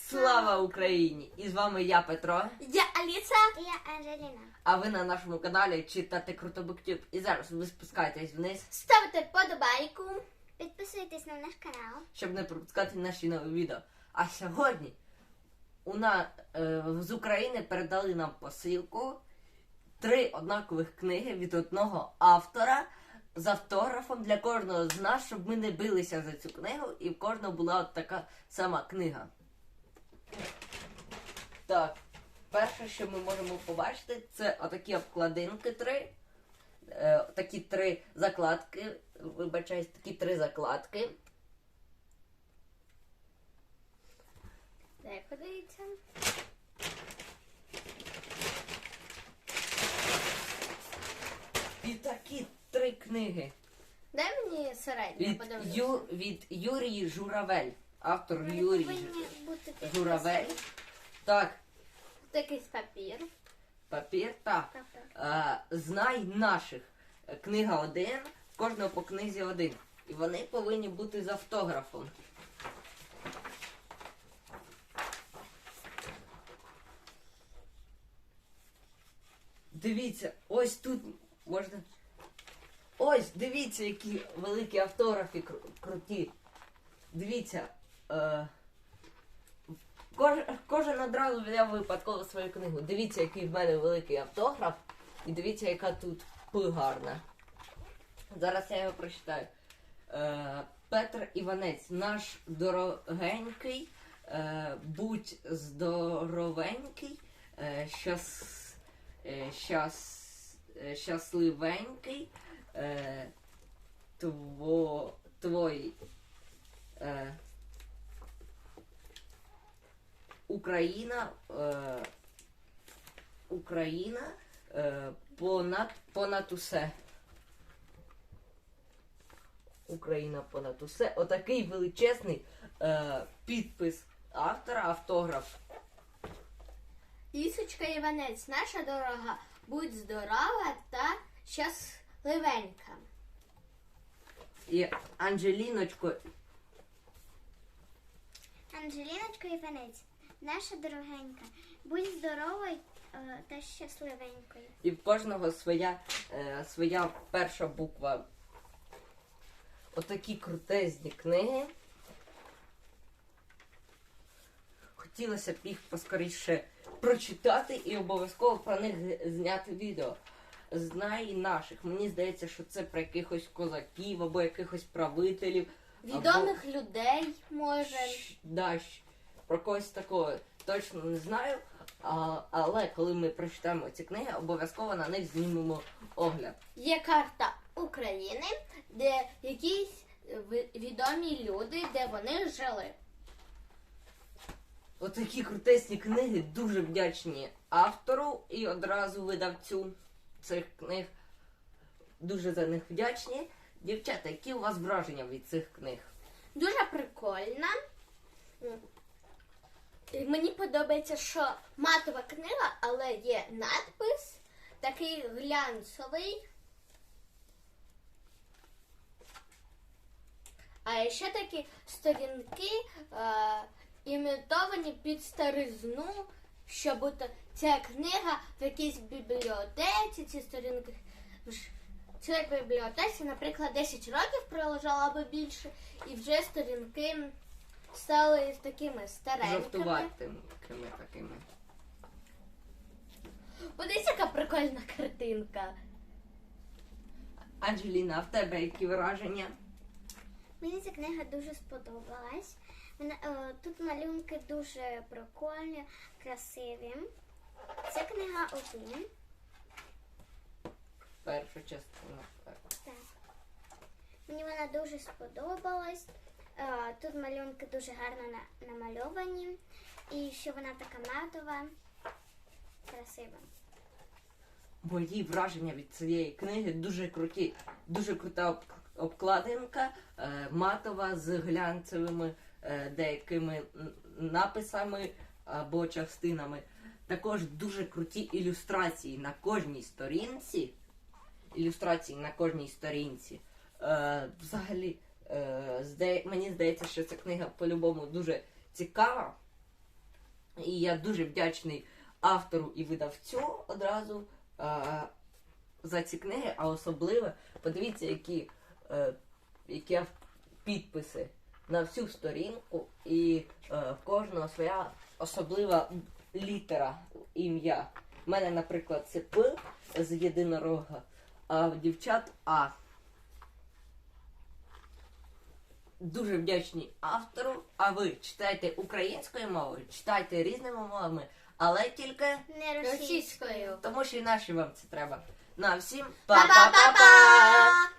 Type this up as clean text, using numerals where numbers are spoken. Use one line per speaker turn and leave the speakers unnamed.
Слава Україні! І з вами я, Петро.
Я Аліса.
І я Анжеліна.
А ви на нашому каналі читати Круто Буктюб. І зараз ви спускаєтесь вниз,
Ставте подобайку.
Підписуйтесь на наш канал.
щоб не пропускати наші нові відео. А сьогодні з України передали нам посилку 3 однакових книги від одного автора з автографом для кожного з нас, щоб ми не билися за цю книгу і в кожного була от така сама книга. Так, перше, що ми можемо побачити, це отакі обкладинки 3. Такі 3 закладки. Вибачаюсь, такі 3 закладки.
Дай подивіться.
І такі 3 книги.
Дай мені середню, подивлюся.
Від Юрій Журавель. Автор
Вони
Юрій
повинні бути
Журавель.
підписані.
Так,
Такий папір.
папір, так.
Так.
Знай наших. Книга 1, кожного по книзі 1. І вони повинні бути з автографом. Дивіться, ось тут можна... Ось, дивіться, які великі автографи круті. Дивіться, кожен одразу взяв випадково свою книгу. Дивіться, який в мене великий автограф. І дивіться, яка тут гарна. Зараз я його прочитаю. Петр Іванець, наш дорогенький, будь здоровенький, щасливенький, твой Україна понад усе. Україна понад усе. Отакий величезний підпис автора, автограф.
Лісочка Іванець, наша дорога, будь здорова та щасливенька.
І Анжеліночко.
Анжеліночка Іванець, наша дорогенька, будь здоровою та щасливенькою.
І в кожного своя перша буква. Отакі крутезні книги. Хотілося б їх поскоріше прочитати і обов'язково про них зняти відео. Знай наших. Мені здається, що це про якихось козаків або якихось правителів.
Відомих людей, може.
Про когось такого точно не знаю. Але коли ми прочитаємо ці книги, обов'язково на них знімемо огляд.
Є карта України, де якісь відомі люди, де вони жили.
Отакі крутесні книги, дуже вдячні автору і одразу видавцю цих книг. Дуже за них вдячні. Дівчата, які у вас враження від цих книг?
Дуже прикольна. І мені подобається, що матова книга, але є надпис, такий глянцевий. А ще такі сторінки імітовані під старизну, щоб ця книга в якійсь бібліотеці, ці сторінки в цій бібліотеці, наприклад, 10 років пролежала або більше, і вже сторінки стали такими старенькими.
Жовтуватими такими.
Подивіться, яка прикольна картинка.
Анжеліна, а в тебе які враження?
Мені ця книга дуже сподобалась. Тут малюнки дуже прикольні, красиві. Це книга 1.
Перша частина.
Так. Мені вона дуже сподобалась. Тут малюнки дуже гарно намальовані. І що вона така матова, красива.
Мої враження від цієї книги дуже круті. Дуже крута обкладинка, матова з глянцевими деякими написами або частинами. Також дуже круті ілюстрації на кожній сторінці. Взагалі, мені здається, що ця книга по-любому дуже цікава. І я дуже вдячний автору і видавцю одразу за ці книги, а особливо подивіться, які підписи на всю сторінку, і в кожного своя особлива літера, ім'я. У мене, наприклад, це П з єдинорога, а в дівчат А. Дуже вдячні автору. А ви читайте українською мовою, читайте різними мовами, але тільки
Не російською.
Російською.
тому, що і наші вам це треба. На всім
Па-па-па-па!
па-па-па-па!